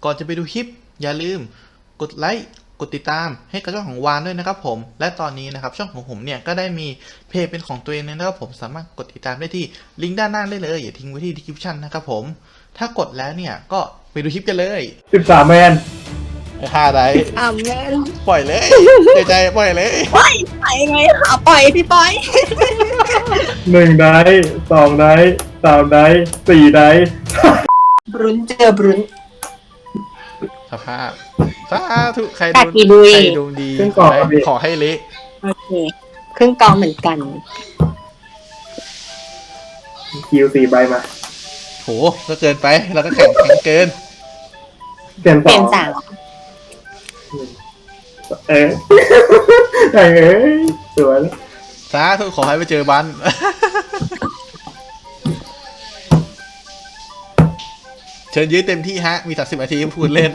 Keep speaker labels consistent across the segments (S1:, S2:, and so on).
S1: ก่อนจะไปดูคลิปอย่าลืมกดไลค์กดติดตามให้กับช่องของวานด้วยนะครับผมและตอนนี้นะครับช่องของผมเนี่ยก็ได้มีเพจเป็นของตัวเองนะครับผมสามารถกดติดตามได้ที่ลิงก์ด้านล่างได้เลยอย่าทิ้งไว้ที่ description นะครับผมถ้ากดแล้วเนี่ยก็ไปดูคลิปกันเลย
S2: 13แมน
S1: 5 ได้
S3: แม่น
S1: ปล่อยเลยใจปล่อยเลย
S3: ปล่อยไปไงปล่อยพี่ปล่อย
S2: 1ได้2ได้3ได้4ได้
S3: บรุนเจอบรุน
S1: สภาพสาธุใครดวงดีขอให้เละ
S3: โอเคครึ่งกองเหมือนกัน
S2: คิว4ใบมา
S1: โหก็เกินไปเราก็แข่งเกิน
S2: เปลี่ยน
S3: สาม
S2: เออสวย
S1: สาธุขอให้ไปเจอบันเชิญยื้อเต็มที่ฮะมี30 นาทีพูดเล่น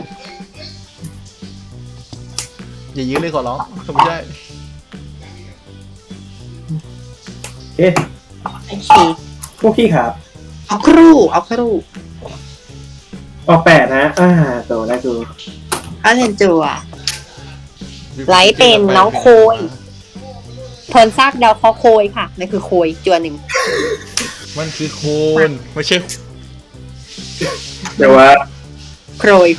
S1: อย่ายื้อเลยขอร้องไม่ใช่
S2: โอเคพวกพี่ครับ
S3: เอาครูเอา
S2: 8นะโตได้ดู
S3: เอาเห็นจัวไลท์เป็นน้องโคยทนซากเดาเขาโคยค่ะนั่นคือโคยจัวหนึ่ง
S1: มันคือโคนไม่ใช่
S2: เดี๋ยวว่า
S3: โคย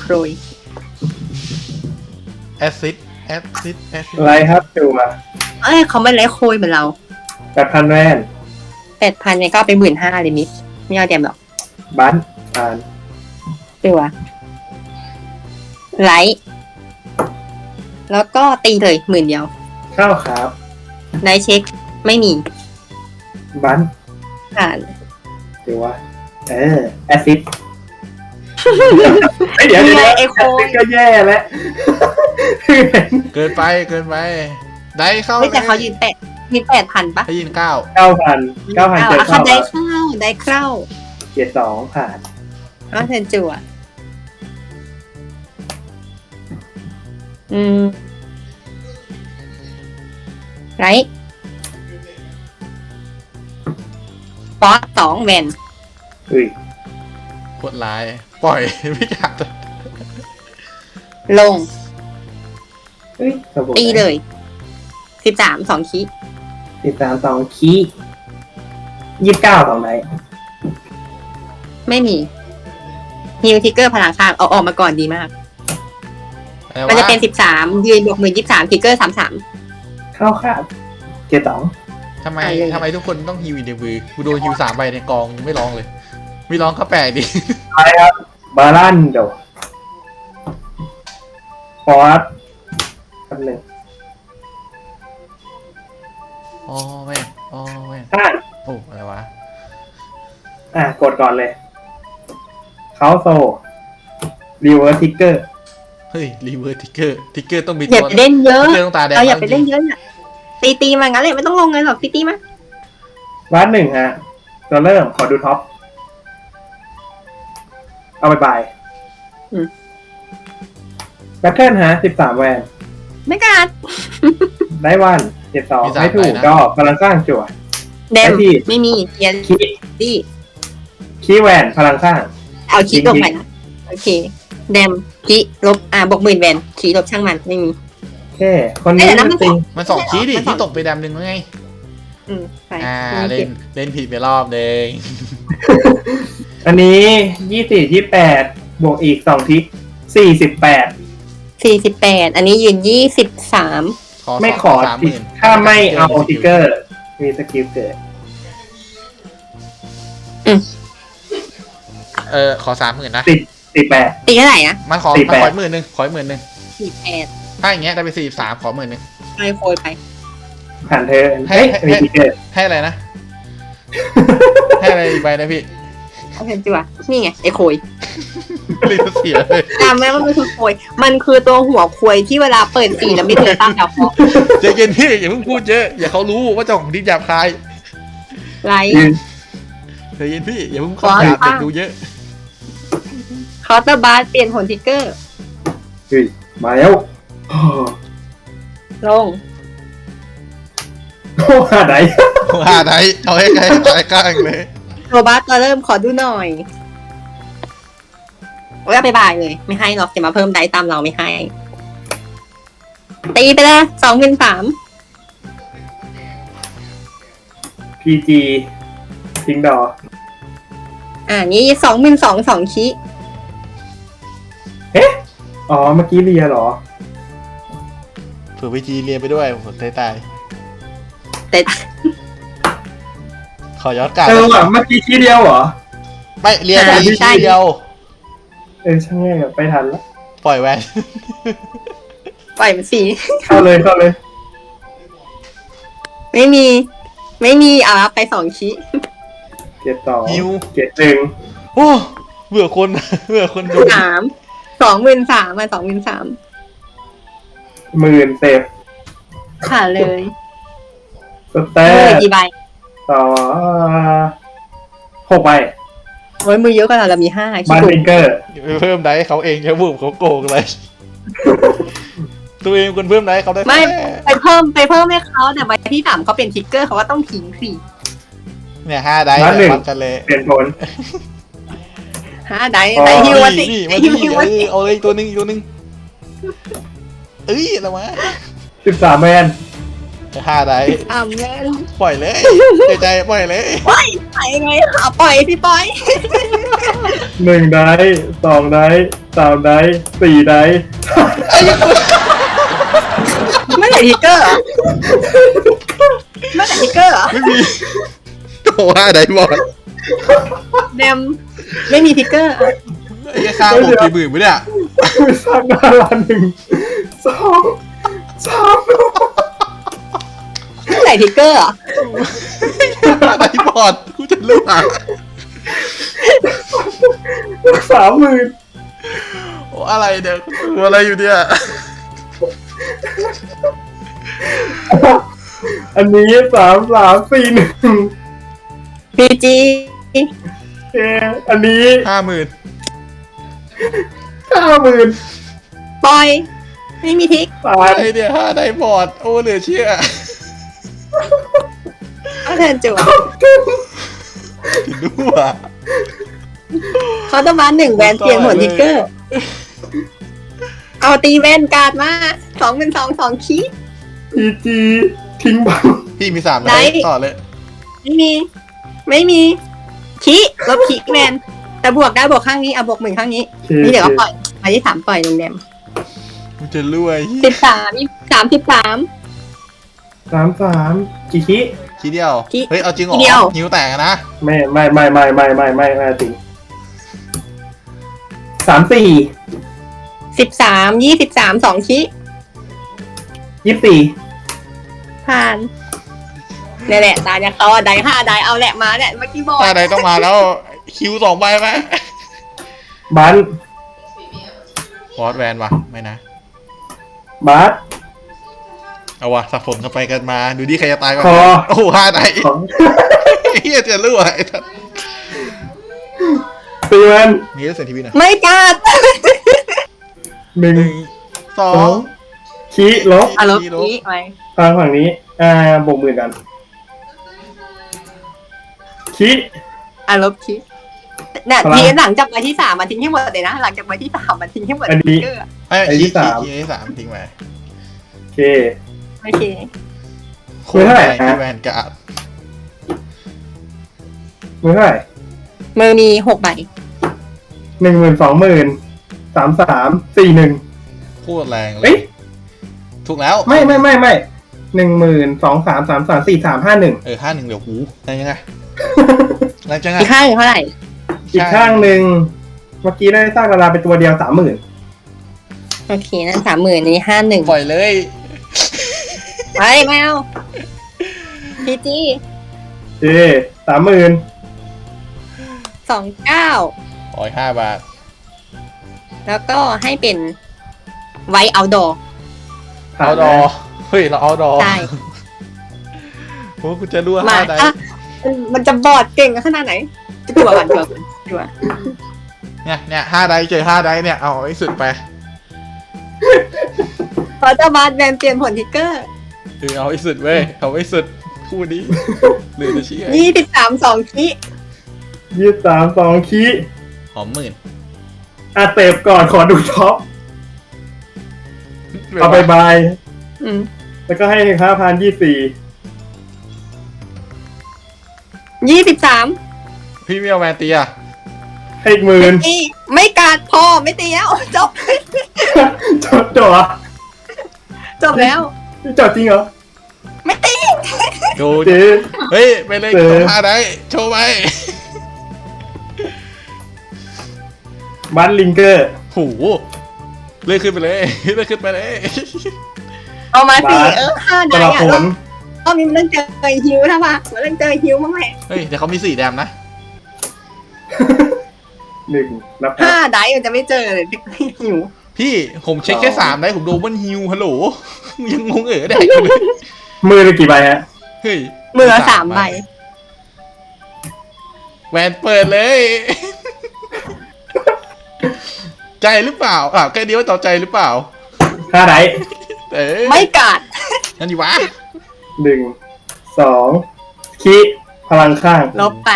S1: แอซิด
S2: ไรครับจัว
S3: เขาไม่ไลท์โคยเหมือนเรา
S2: 8,000แวน
S3: 8,000เนี่ยก็ไป15,000เลยมิสไม่เอาเต็มหรอก
S2: บันผ่าน
S3: จัวไลท์แล้วก็ตีเลย10,000เดียว
S2: เข้าครับ
S3: ได้เช็คไม่มี
S2: บัน
S3: ผ่าน
S2: เดี๋ยวว่าแอซิดเดี๋ยว
S3: ไอโค
S2: ก็แย่แล้ว
S1: เกินไปได้เข้า
S3: แต่เขายืน8,000ปะ
S1: ให้ยืน9,000
S2: เจอ
S3: เข้าได้เข้า
S2: 72ผ่าน
S3: เซนจั่วไรป๊อต2แวน
S1: กดไลน์ปล่อยไม่อยาก
S3: ลงตีเลย13 2คี
S2: 13 2คี29 2ไหน
S3: ไม่มีฮิวทิกเกอร์พลังข้างเอาออกมาก่อนดีมากมันจะเป็น13ยืนบวก13ทิกเกอร์33
S2: เข้าครับ72
S1: ทำไมทุกคนต้องฮิวอินเดวีกูโดนฮิว3 ใบในกองยังไม่ร้องเลยไม่ร้องก็แปลกดิ
S2: ไปครับบาลันโดฟอร์สอันหนึ่ง
S1: แม่โอ้อะไรวะ
S2: กดก่อนเลยเขาโซรีเวิร์สทิกเกอร์
S1: เฮ้ยรีเวิร์สทิกเกอร์ต้องมี
S3: ตัวอย่าไปเล่นเยอะ
S1: ต้องตาแดง
S3: อย่าไปเล่นเยอะตีมางั้นเลยไม่ต้องลงเงินหรอกตีมา
S2: วัด1ฮะตัวเริ่มขอดูท็อปเอาไปแบทเทิลฮะ13แวน
S3: ไม่กัด
S2: ได้วัน72ไม่ถูกดอกพลังสร้างจั่ว
S3: เดมไม่มีเทียน
S2: คีแวนพลังสร้าง
S3: เอาคีตกไปนะโอเคเดมคีลบบวก10,000แวนคีลบช่างมันไม่มี
S2: แค่คนนี้
S1: มัน2 คีดิที่ตกไปแดม1แล้วไงเล่นผิดไปรอบนึง
S2: อันนี้24 28บวกอีก2ทิก48
S3: อันนี้ยืน23
S2: ไม่ขอถ้าไม่เอาทิกเกอร์มีสกิลเกิด
S1: ขอ 30,000นะ
S2: 48
S3: ตีเท่าไหร่นะ
S1: มันขอ10,000ขอ10,000
S3: 48
S1: ถ้าอย่างเงี้ยได้ไป43ขอ10,000
S3: ให้โคยไป
S2: ผ่านเธอ
S1: ให้อะไรนะให้อะไรอีกใบนะพี่
S3: เอาเพนจิวะนี่ไงไอโคย
S1: รีบเสียเลย
S3: จำไหมว่ามันคือโคยมันคือตัวหัวโคยที่เวลาเปิดสีแล้วไม่เจอตั้งดาวเคาะ
S1: ใจเย็นพี่อย่าเพิ่งพูดเยอะอย่าเขารู้ว่าเจ้าของดินหยาบคาย
S3: ไร
S1: ใจเย็นพี่อย่าเพิ่งหยาบดูเยอะ
S3: คอร์เตอร์บาร์เปลี่ยนผลทิกเกอร์
S2: มาแล้ว
S3: ลง
S2: หาไหน
S1: เอาให้ใกล้ใกล้เลย
S3: โรบัสตัวเริ่มขอดูหน่อยโอก็ไปบายเลย ไม่ให้หรอกจะมาเพิ่มได้ตามเราไม่ให้ ตีไปเลย2,003
S2: PG ทิ้งดอ
S3: นี่22,002 คิ
S2: อ๋อเมื่อกี้เรียเหรอ
S1: เผื่อพีจีเรียนไปด้วยผมตาย
S3: แต่
S1: ขอย้อนกลับ
S2: ว่ะเมื่อกี้ทีเดียวเหรอ
S1: ไม่เรียนไป
S3: ใช่
S1: ทีเดียว
S2: ช่างแม่งอะไปทันแล้ว
S1: ปล่อยแวน
S3: ปล่อยมันสิ
S2: เข้าเลยเข้าเลย
S3: ไม่มีรับไป2 คิ
S2: เกียร์ต่อ
S1: ฮิว
S2: เกียร์หนึ่ง
S1: โอ้เบื่อคน เบื่อคนดู
S3: 23,023 23,000
S2: 10,000เซฟ
S3: ขาดเลย
S2: สแต
S3: มือ
S2: ท
S3: กี่ใบ
S2: ต่อ6 ใบ
S3: โอ้ยมือเยอะกว่าเรามี5
S2: บา
S3: คิ
S2: น
S3: ด
S2: ฟิงเกอร์
S1: เพิ่มได้เขาเองจะบุกเขาโกงเลย ตัวเองคนเพิ่มได้เขาได้
S3: ไม่
S1: แค่
S3: ไปเพิ่มให้เขาแต่ใบที่3เขาเป็นทิกเกอร์เขาก็ต้องทิ้งสิ
S1: เนี่ย5ได้
S2: บ้านหนึ่ง
S1: วัดกันเลย
S2: เปลี่ยนผล
S3: ได้
S2: อ๋อ
S3: ได้ฮิวมาสิ
S1: นี่มา
S3: ฮิ
S1: ที่
S3: วมาสิ
S1: เอาเลยอีกตัวหนึงเอ้ยอะไรวะ
S2: 13 แมน
S1: 5ได้
S3: แม่น
S1: ปล่อยเลยใจปล่อยเลย
S3: ปล่อยไปไงปล่อยสิปล่อย
S2: 1 ได้2 ได้ 3 ได้ 4 ได้
S3: ไม่ใช่ทิกเกอร์เหรอไม่ใช่ทิกเกอร์เหรอ
S1: ไม่มีโอ้5ได้หมด
S3: เดมไม่มีทิกเกอร์
S1: ไอ้ข้าวผมกี่หมื่นไปเนี่ย
S2: ไม่สร้างดารา1 2 3
S3: ไม่ใช่ทิกเกอร์เหรอ
S1: 5ได้บอดกูจะรู้อ่ะ
S2: 30,000
S1: โอ้อะไรเดี๋ยวตัวอะไรอยู่เนี่ย
S2: อันนี้3 3 4 1
S3: พีจี
S2: อันนี้
S1: 50,000
S2: 50,000
S3: ปล่อย ไม่มีทิก
S2: ตาย
S1: ไอเนี่ย5ได้บอดโอ้เหลือเชื่อ
S3: เอาเทิร์นจั่ว
S1: ถึงรู้อ่ะ
S3: เขาต้องมา1 แวนเปลี่ยนผลทิกเกอร์ เอาตีแวนการ์ดมา2,002 คิ
S2: PG ทิ้งบัง
S1: พี่มี3
S3: ได้
S1: ได้ต่อเลย
S3: ไม่มีคิลบคิแวนแต่บวกได้บวกข้างนี้บวก1ข้างนี้ นี่เดี๋ยวก็ปล่อยมาที่3ปล่อยลงแดม
S1: กูจะรวย
S2: 33 กี่คิ
S1: ทีเดียว
S3: ที
S1: เฮ้ยเอาจริงเหรอ
S3: ทีเดียว
S1: นิ้วแตกอะนะ
S2: ไม่จริง34
S3: 13 23 2 คิ
S2: 24
S3: ผ่านนี่แหละตาเนี่ยเขาได้5ได้เอาแหละมาเนี่ยเมื่อกี้บอก
S1: ถ้าใดต้องมาแล้วคิว2 ใบไหม
S2: บัน
S1: ฟอสแวนวะไม่นะ
S2: บัส
S1: เอาวะสับสนกันไปกันมาดูดิใครจะตายก่อน
S2: คอ
S1: โอ้โห5ได้
S2: ของ
S1: เฮียจะรวย
S2: ตีมัน
S1: มีเรื่องเซนทีวีนะ
S3: ไม่กัด
S2: 1
S1: 2
S2: 2คิลบ
S3: ลบคิไป
S2: ทางฝั่งนี้บวก10,000กันคิ
S3: ลบคิเนี่ย
S2: พลัง
S3: ทีหลังจากใบที่3มาทิ้งให้หมดเลยนะหลังจากใบที่3มาทิ้งให้หมด
S2: อันนี้
S3: ทิกเกอร์
S1: ไอ้
S2: ไอ้ที่
S1: ที่
S2: สาม
S1: ที่3ทิ้งไป
S2: โอเค
S3: โอเค
S1: โคตร
S2: เท่าไหร่
S1: แรง
S2: ฮะ
S1: ที่แวนการ์ด
S2: มือเท่าไหร่
S3: มือมี6 ใบ
S2: 10,000 20,000 33 41
S1: โคตรแรงเล
S2: เอ้
S1: ย
S2: ย
S1: ถูกแล้ว
S2: ไม่10,000 2 3 3 3 4 3 5 1
S1: 51เดี๋ยวหูอะไรยังไงอะไรจังไง
S3: อีกข้างหนึ่งเท่าไหร่
S2: อีกข้างหนึ่งเมื่อกี้ได้สร้างดาราเป็นตัวเดียว 30,000
S3: โอเคนั่น30,000อันนี้51
S1: ปล่อยเลย
S3: ไปไม่เอาพีจี
S2: เอ๊30,000
S3: 29
S1: ปล่อย5 บาท
S3: แล้วก็ให้เป็นไวเอาดอ
S1: เอาดอเฮ้ยเราเอาดอ
S3: ใช่
S1: โอ้กูจะรั่ว
S3: มา
S1: 5ได้
S3: มันจะบอดเก่งขนาดไหนจะตัวก่อนตัว
S1: เนี่ย5ได้เจอ5ได้เนี่ยเอาให้สุดไป
S3: พอจะบาดแบนเปลี่ยนผลทิกเกอร์
S1: เอาให้สุดเว้ยเอาให้สุดคู่นี้หรือจะเชื่อ
S3: 23 2 คิ
S2: 23 2 คิ
S1: หอมหมื่น
S2: เสพก่อนขอดูท็อปเอาไปบาย
S3: อืม
S2: แล้วก็ให้5,024
S3: 23
S1: พี่ไม่เอาแมนตีอะ
S2: ให้อีก10,000
S3: นี่ไม่กัดพอไม่ตีแล้วจบ
S2: จบเหรอ
S3: จบแล้ว
S2: จบจริงเหรอ
S3: ไม่ตี
S1: ดู
S2: เจ๊
S1: เฮ้ยไปเลย
S2: เออ
S1: สองห้าได้โชว์ไป
S2: บัตลิงเกอร์
S1: หูเลื่อนขึ้นไปเลยเลื่อนขึ้นไปเลย
S3: เอามาสิ
S2: บาส
S3: 5
S2: ต
S3: ได้
S2: ลา
S3: อะ
S2: ผล
S3: ก็มีมันต้องเจอฮิวถ้าว่ามันต้องเจอฮิวมั้งแหละ
S1: เฮ้ยแต่เขามี4 แดมนะ
S2: 1 นับ
S3: 5 ได้มันจะไม่เจอเลยฮิว
S1: พี่ผมเช็คแค่3 ได้ผมดูมันฮิวฮัลโหลยังงงได้เลย
S2: มือละกี่ใบฮะ
S1: เฮ้ย
S3: มือ3 ใบ
S1: แหวนเปิดเลย ใจหรือเปล่าแค่นี้ว่าต่อใจหรือเปล่า
S2: 5 ได
S1: เอ้ย
S3: ไม่กัด
S1: นั่นดีวะ
S2: 1 2คีพลังข้าง
S3: ลบไป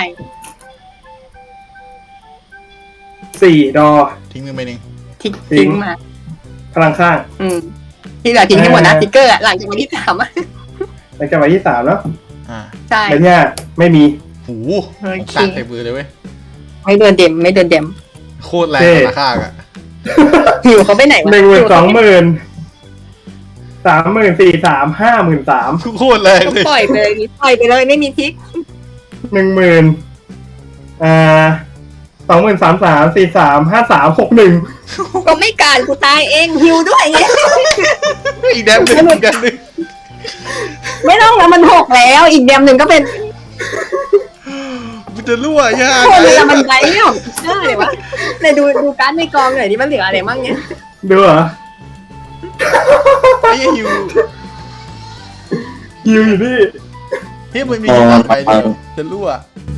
S2: 4 ดอ
S1: ทิ้งมือไปหนึ่ง
S3: ทิ้งมา
S2: พลังข้าง
S3: ที่เหลือทิ้งให้หมดนะติ๊กเกอร์อะหลังจากวันที่3อะ
S2: แล้วก็ใบที่ 3 แล้ว
S1: อ่า
S3: ใช่
S2: ใบที่ 5 ไม่มี
S1: หู
S3: โอเค
S1: ตัดใส่มือเลยเว้ย
S3: ไม่เดินเด็มไม่เดินเด็ม
S1: โคตรแรงราคาอะ
S3: หิวเขาไปไหนวะ
S2: 12,000 30,000 43,000
S1: โคตรแรง
S3: ก็
S1: เลย
S3: ปล่อยไปเลยปล่อยไปเลยไม่มีทิก
S2: 50,000 20,000 33,000 53,000 61
S3: ก็ไม่การกูตายเองหิวด้วยไง
S1: อีกแดมหนึ่งอีกแดมหนึ่ง
S3: ไม่ต้องแล้วมัน6แล้ว อีกเดมหนึ่งก็เป็น
S1: มันจะรั่วยาก
S3: คนละมันไรเนี่ยเออเลยวะไหนดูการ์ดในกองหน่อยดิมันเหลืออะไรบ้างเนี่ย
S2: ดูเหรอ
S1: ไอ้ฮิว
S2: ฮิวอยู่นี่
S1: เฮ้ยมันมีอยู่ก่อนไปดิจะรั่ว